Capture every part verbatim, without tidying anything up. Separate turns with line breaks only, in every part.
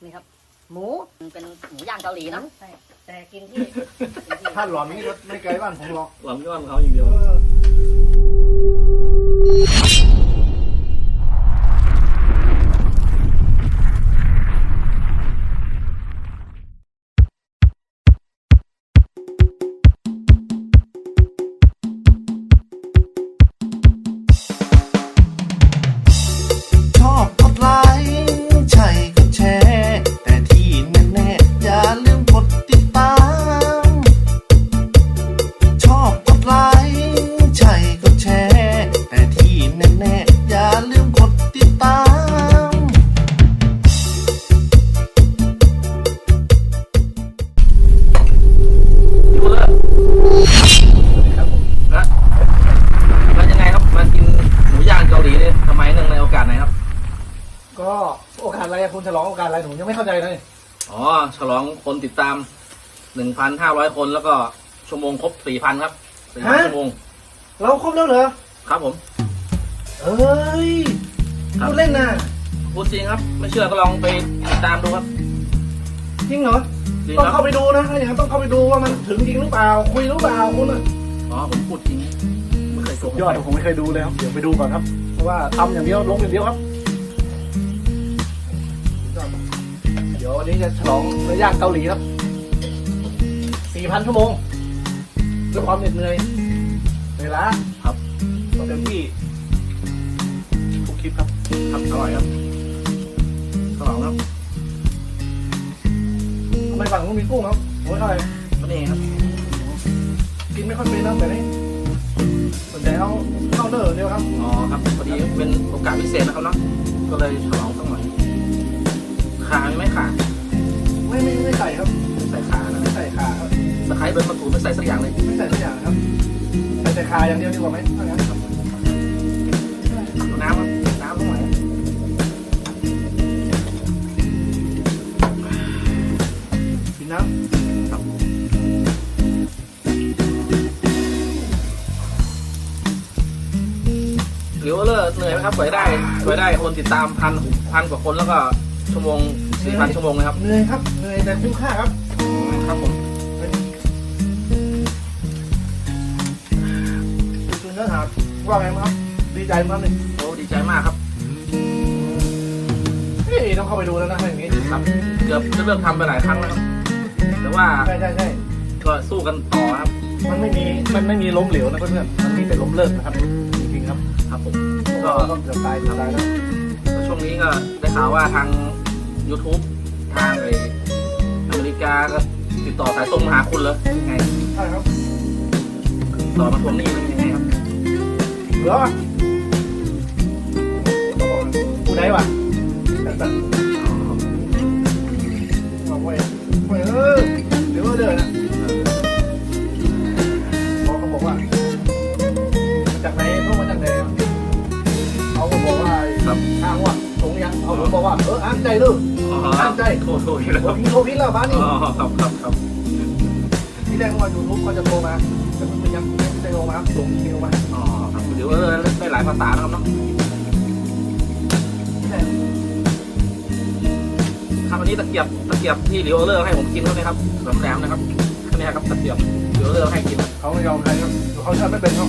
นี่ครับหมูเป็นหมูย่างเกาหลีนะใช่แต่กินที่
ถ้าหลอนนี่ก็ไม่ไกลบ้านผมหรอก
หลอนก็บ้านเขาอย่างเดียว
ชอบกดไลค์ใช่กดแชร์แต่ที่แน่ๆอย่าลืมกดติดตามชอบกดไลค์ใช่กดแชร์แต่ที่แน่ๆอย่าลืมกดติดตาม
ดูเลยครับแล้วแล้วยังไงครับมากินหมูย่างเกาหลีเนี่ยทำไมเนื่องในโอกาสไหนครับ
ก็โอกาสอะไรคุณฉลองโอกาสอะไรหนูยังไม่เข้าใจเลย
อ๋อฉลองคนติดตามหนึ่งพันห้าร้อยคนแล้วก็ชั่วโมงครบสี่พันครับสี่พันชั่วโมง
เราครบแล้วเหรอ
ครับผม
เอ้ยพูดเล่นนะ
พูดจริงครับไม่เชื่อก็ลองไปติดตามดูครับ
จริงเหรอ
จริง
ต้อง
ครับ
เข้าไปดูนะถ้าอย่างนั้นต้องเข้าไปดูว่ามันถึงจริงหรือเปล่าคุยหรือเปล่าคุณอ่ะ
อ๋อผมพูดจริงไม่เคยโกหก
ยอดผมไม่เคยดูเลยครับเดี๋ยวไปดูก่อนครับเพราะว่าทำอย่างเดียวลงอย่างเดียวครับเดี๋ยววันนี้จะฉลองเนื้อย่างเกาหลีครับสี่พันชั่วโมงด้วยความเหน็ดเหนื่อยเวลา
ครับ
เต็มที่ทุกคลิปครับ
ครับอร่อยครับฉลองครับ
ทำไมฝั่งนู้นมีกุ้งครับโอ้ยเท่าไหร่
ก็นี่ครับ
กินไม่ค่อยเป็นนะแต่นี่ส่วนใหญ่เอาเข้าเนอร์เดียวครับ
อ๋อครับพอดีเป็นโอกาสพิเศษนะครับเนาะก็เลยฉลองสักหน่อยขามีไหมขา
ไม่ไม่ไม่ใส่ครับ
ไม่ใส่ขานะ
ไม่ใส่ขาครับ
ตะไคร้ใบมะกรูดไม่ใส่สักอย่างเลย
ไม่ใส่ทุกอย่างครับใส่แต่ขาอย่างเดียวดีกว่าไหมถ้างั้นครับ
น้ำครับน้ำตรงไหน
กินน้ำครับ
หรือว่าเลิกเหนื่อยไหมครับสวยได้สวยได้คนติดตามพันพันกว่าคนแล้วก็ชั่วโมงสี่พันชั่วโมงเลยครับ
เหนื่อยครับเหนื่อยแต่คุ้มค่าครับ
ครับผม
เป็นคือเนื้อหาว่าไงมั้งครับดีใจมั้งหนึ่ง
โอ้ดีใจมากครับ
เฮ้ยต้องเข้าไปดูแล้วนะถ้าอย่างนี้
ครับเกือบจะเลิกทำไปหลายครั้งแล้วครับแต่ว่า
ใช่ใช่ใช่
ก็สู้กันต่อครับ
มันไม่มีมันไม่มีล้มเหลวนะเพื่อนๆมันมีแต่ล้มเลิกนะครับจริงๆครับ
ครับผม
ก็
ก็
ต้องเกือบตายเกือบตายแล้ว
ช่วงนี้ก็ได้ข่าวว่าทาง YouTube ทางไออเมริกาก็ติดต่อสายตรงมาหาคุณเลยยังไง
ใช่ครับ
ต่อมาทวงหนี้มันยังไงครับ
เหลือวะกูได้วะบอกไว้ไว้เออเดี๋ยวเดินนะบอกเขาบอกว่ามาจากไหนพวกมาจากไหนเขาก็บอกว่า
ครับ
อ้างว่าตรงยังเอาผมบอกว่าเอออ้างใจลูก ตั้งใจ
โทษโทษแล้ว
โทรพิโทรพิแล้วบ้านนี่
อ๋อครับครับครับ
ที่แรกว่ายูทูบเขาจะโทรมาแต่มันยังไม่ได้โทรมาส่งอีเมลมา
อ๋อครับเดี๋ยวเออได้หลายภาษานะครับเนาะครับวันนี้ตะเกียบตะเกียบที่เหลียวเลอร์ให้ผมกินเขาเนี่ยครับแหลมๆนะครับอันนี้ครับตะเกียบเหลียวเลอร์ให้กิน
เขาไม่ยอมใครครับเขาชอบไม่เป็นเขา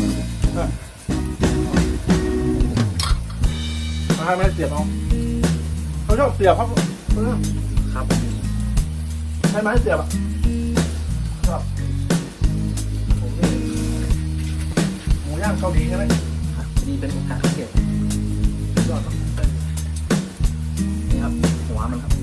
เขาให้ไม่เสียบเขาเขาชอบเสียบครับ
ครับ
ใช้ไม้เสียบอ่ะครับผมนี่หมูย่างเกาหลีใช่ไหม
นี่เป็นโอกาสพิเศษ
ยอดครับ
นี่ครับหัวมันครับ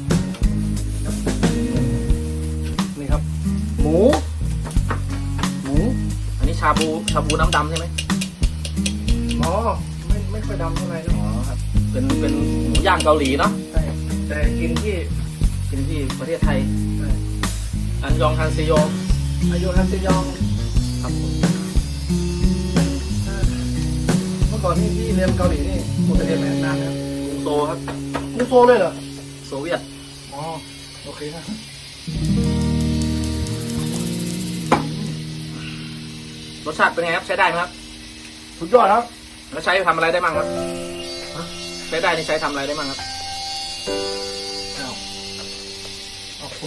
นี่ครับ หมู หมู
อันนี้ชาบูชาบูน้ำดำใช่ไหม
อ๋อไม่ไม่ค่อยดำเท่าไหร่นะ
อ๋อครับเป็นเป็นหมูย่างเกาหลีเนาะ
ใช่แต่กินที่
กินที่ประเทศไทยอันยองฮันเซโย
อายุฮันเซยอง
ครับผม
เมื่อก่อนนี่ที่เรียนเกาหลีนี่ผมไปเรียนไหนนานแล้ว
กรุงโซครับ
นี่โซเลยเหรอ
โซเวียต
อ๋อโอเคครับ
รสชาติเป็นไงครับใช้ได้ไหมครับ
สุดยอดครับ
แล้วใช้ทำอะไรได้บ้างครับใช้ได้นี่ใช้ทำอะไรได้บ้างครับ
อ้าว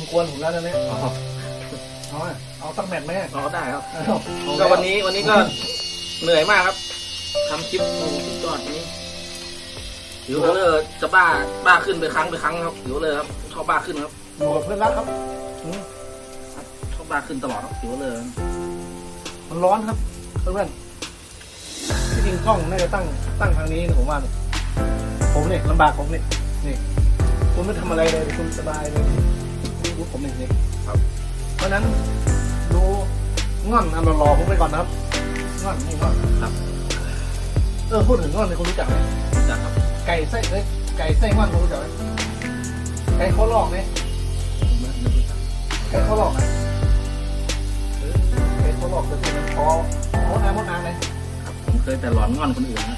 กวนผมแล้วนะเนี่ย
อ๋อ
เอาอะเอาสักแมตช์ไหม
อ๋อได้ครับ
เอา
ก็วันนี้วันนี้ก็เหนื่อยมากครับทำคลิปคลิปจอดนี้หิวเลยจะบ้าบ้าขึ้นไปครั้งไปครั้งครับหิวเลยครับชอบบ้าขึ้นครับ
อยู่กับเพื่อนรักครับอืม
ชอบบ้าขึ้นตลอดครับหิวเลย
มันร้อนครับเพื่อนๆที่จริงกล้องน่าจะตั้งตั้งทางนี้นะผมว่าเนี่ยผมเนี่ยลำบากผมเนี่ยนี่คุณไม่ทำอะไรเลยคุณสบายเลยนี่ดูผมเองนี่
ครับ
เพราะฉะนั้นดูง่อนอันรอๆผมไปก่อนนะครับง่อนนี่ง่อน
ครับ
เออพูดถึงง่อนเนี่ยคุณรู้จักไหม
รู้จักครับ
ไก่ไส้เอ้ยไก่ไส้ง่อนคุณรู้จักไหมไก่ข้อลอกเนี่ย
ผมไม่ไม่รู้จัก
ไก่ข้อลอกนะเออไก่ข้อลอกจะเป็นคอมดน้ำมดน้ำเลย
ครับผมเคยแต่หลอนงอนคนอื่นนะ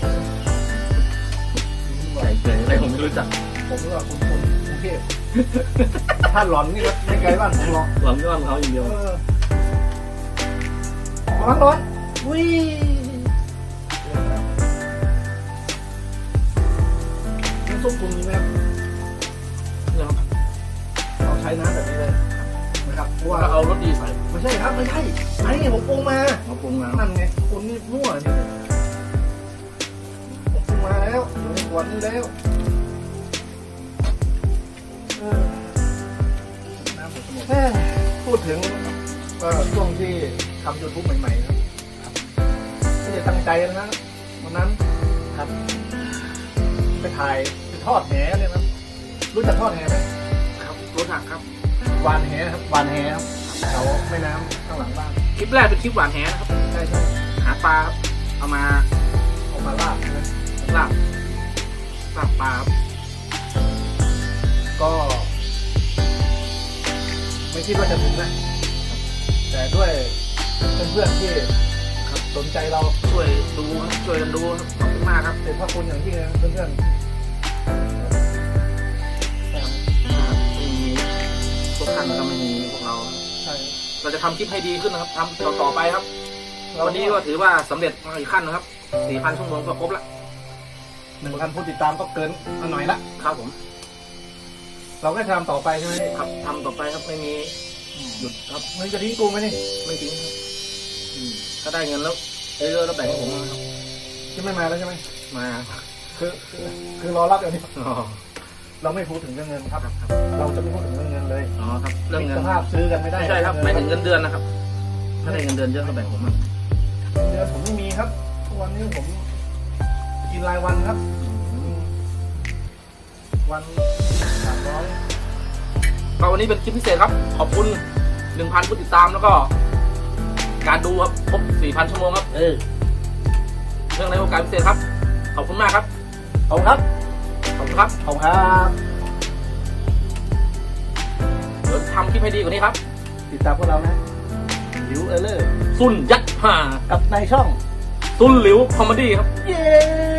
ไก่เกยอะไรผมไม่รู้จัก
ผมรู้ว่าคุณคนกรุงเทพถ้าหลอนนี่ก็ไม่ไกลบ้านผมหรอก
หลอนงอนเขาอย่างเดียว
เออร้อนร้อนอุ้ยน้ำซุปคุณมีไหมครับ
เนี่ยครับ
เราใช้น้ำแบบนี้เลยนะครับเพราะว่า
ก็เอารสดีใส่
ไม่ใช่ครับไม่ใช่ไอ้นี่ผมปรุงมา
เอาปรุงน้
นั่นไงคุณนี่มั่วนี่ผมปรุงมาแล้วอยู่ในขวดนี้แล้วเออน้ำหมดสมองแม่พูดถึงก็ช่วงที่ทำยูทูบใหม่ๆครับไม่ได้ตั้งใจนะวันนั้นครับ ไปถ่ายไปทอดแหเลยนะรู้จักทอดแหไหม
ำครับรสหักครับ
วานแหครับวานแหครับแถวแม่น้ำข้างหลังบ้าน
คลิปแรกเป็นคลิปหวานแหนะครับ
ใช่ใช่
หาปลาครับเอามา
เอามาลาบใช่ไหม
ลาบลาบปลาครับ
ก็ ไม่คิดว่าจะถึงนะ แต่ด้วยเพื่อนๆที่ครับสนใจเรา
ช่วยดูครับช่วยกันดูครับขอบคุณมากครับ
เป็นพระคุณอย่างยิ่งนะเพื่อนๆ
ไม่มีพวกท่านก็ไม่มีพวกเรา
ใช่
เราจะทำคลิปให้ดีขึ้นนะครับทำต่อต่อไปครับ
เรา
วันนี้ก็ถือว่าสำเร็จมาอีกขั้นนะครับ สี่พัน ชั่วโมงก็ครบละ
หนึ่งพันผู้ติดตามก็เกินมาหน่อยละ
ครับผม
เราก็ทำต่อไปใช่ไหม
ครับทำต่อไปครับไม่มีหยุดครับ
มึงจะทิ้งกูไหมนี่
ไม่ทิ้งครับอืมถ้าได้เงินแล้วเยอะๆแล้วแบ่งให้ผมนะครับ
จะไม่มาแล้วใช่ไหม
มา
คือคือคือรอรับอย่างนี้
อ๋อ
เราไม่พูดถึงเรื่องเงินครับ
ครับครับ
เราจะไม่พูดถึงเรื่องเงินเลย
อ๋อครับเรื่องเงิน
สภาพซื้อกันไม่ได้
ไม่ใช่ครับหมายถึงเงินเดือนนะครับ ถ้าได้เงินเดือนเยอะก็แบ่งผมมา
เดือนผมไม่มีครับทุกวันนี้ผมกินรายวันครับอืมวันสามร้อย
ก็วันนี้เป็นคลิปพิเศษครับ ขอบคุณ หนึ่งพัน ผู้ติดตามแล้วก็ การดูครับครบ สี่พัน ชั่วโมงครับ
เออ
เรื่องในโอกาสพิเศษครับ ขอบคุณมากครับ
ขอบคุณครับ
ขอบคุณครับ
ขอบคุณครับ
เดี๋ยวทำคลิปให้ดีกว่านี้ครับ
ติดตามพวกเรานะหลิวเออเลอร์
ซุนยัดห่า
กับในช่อง
ซุนหลิวคอมเมดี้ครับ
เย้